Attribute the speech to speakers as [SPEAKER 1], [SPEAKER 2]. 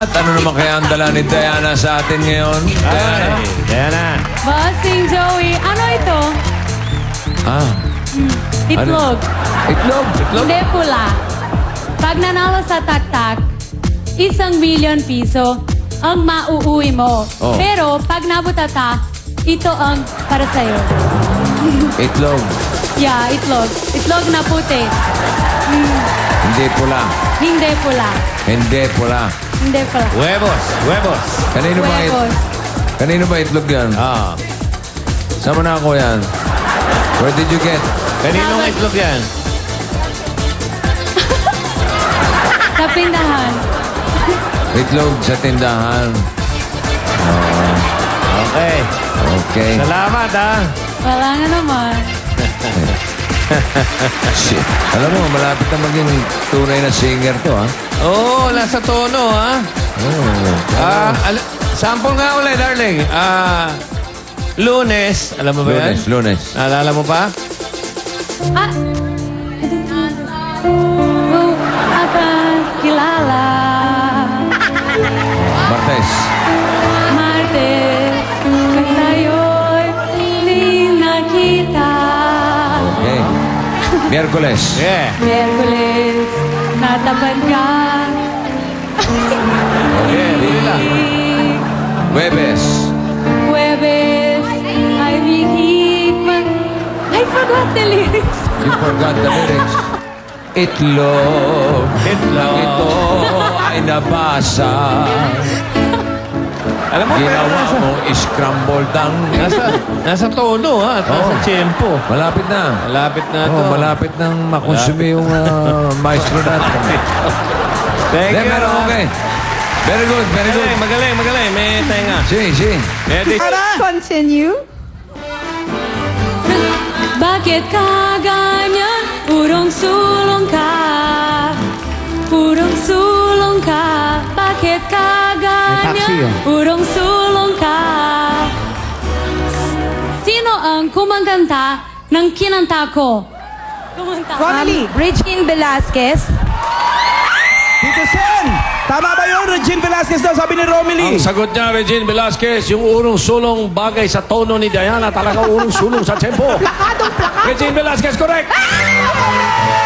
[SPEAKER 1] At ano naman kaya ang dala ni Diana sa atin ngayon? Diana?
[SPEAKER 2] Diana.
[SPEAKER 3] Bossing Joey, ano ito?
[SPEAKER 1] Ah,
[SPEAKER 3] Itlog.
[SPEAKER 1] itlog. Itlog?
[SPEAKER 3] Hindi pula. Pag nanalo sa tak-tak, 1,000,000 piso ang mauuwi mo.
[SPEAKER 1] Oh.
[SPEAKER 3] Pero pag nabutata, ito ang para sa'yo.
[SPEAKER 1] Itlog.
[SPEAKER 3] Yeah, itlog. Itlog na puti.
[SPEAKER 1] Hindi pula.
[SPEAKER 3] Hindi pula.
[SPEAKER 1] Hindi pula.
[SPEAKER 3] Hindi pula.
[SPEAKER 2] Huevos. Huevos.
[SPEAKER 1] Kanino ba,
[SPEAKER 3] Huevos.
[SPEAKER 1] kanino ba itlog yan?
[SPEAKER 2] Ah.
[SPEAKER 1] Saan mo na ako yan? Where did you get?
[SPEAKER 2] Kaninong itlog yan?
[SPEAKER 3] Sa pindahan.
[SPEAKER 1] Itlog sa tindahan.
[SPEAKER 2] Okay.
[SPEAKER 1] Okay.
[SPEAKER 2] Salamat, ha?
[SPEAKER 3] Wala nga naman.
[SPEAKER 1] Shit. Alam mo, malapit na maging tunay na singer to, ha?
[SPEAKER 2] Oo, nasa tono, ha?
[SPEAKER 1] Oh.
[SPEAKER 2] Sample nga ulit, darling. Lunes. Alam mo ba yan?
[SPEAKER 1] Lunes.
[SPEAKER 2] Naalala mo pa?
[SPEAKER 3] Ah! Oh, akan kilala.
[SPEAKER 1] Martes.
[SPEAKER 3] Martes, kung tayo'y muling nakita.
[SPEAKER 1] Okay. Miyerkules.
[SPEAKER 2] Yeah.
[SPEAKER 3] Miyerkules, natapat ka.
[SPEAKER 2] Yeah, huli lang.
[SPEAKER 1] Huwebes.
[SPEAKER 3] Huwebes, ay bihik man. I forgot the lyrics.
[SPEAKER 1] You forgot the lyrics. Itlog.
[SPEAKER 2] Itlog.
[SPEAKER 1] Ito ay nabasa.
[SPEAKER 2] Alam mo, pero
[SPEAKER 1] Ginawa
[SPEAKER 2] nasa,
[SPEAKER 1] mong scrambled ang...
[SPEAKER 2] nasa tono, ha? At nasa
[SPEAKER 1] Oo.
[SPEAKER 2] tempo.
[SPEAKER 1] Malapit na.
[SPEAKER 2] Malapit na to.
[SPEAKER 1] Oh, malapit nang makonsumi yung maestro natin.
[SPEAKER 2] Thank you.
[SPEAKER 1] Pero okay. Very good, very good.
[SPEAKER 2] Magaling, magaling. May tenga.
[SPEAKER 1] Si.
[SPEAKER 2] Ready?
[SPEAKER 4] Continue.
[SPEAKER 3] Bakit ka ganyan? Purong sulong ka. Purong sulong ka. Bakit ka ganyan? Purong sulong ka. Sino ang kumaganta ng kinanta ko? Kumanta.
[SPEAKER 4] Romilly.
[SPEAKER 5] Regine Velasquez.
[SPEAKER 6] Tito Sen! Tama ba yun? Regine Velasquez daw, sabi ni Romilly.
[SPEAKER 7] Ang sagot niya, Regine Velasquez, yung urong-sulong bagay sa tono ni Diana, talagang urong-sulong sa tempo.
[SPEAKER 4] Plakadong plakado.
[SPEAKER 7] Regine Velasquez, correct!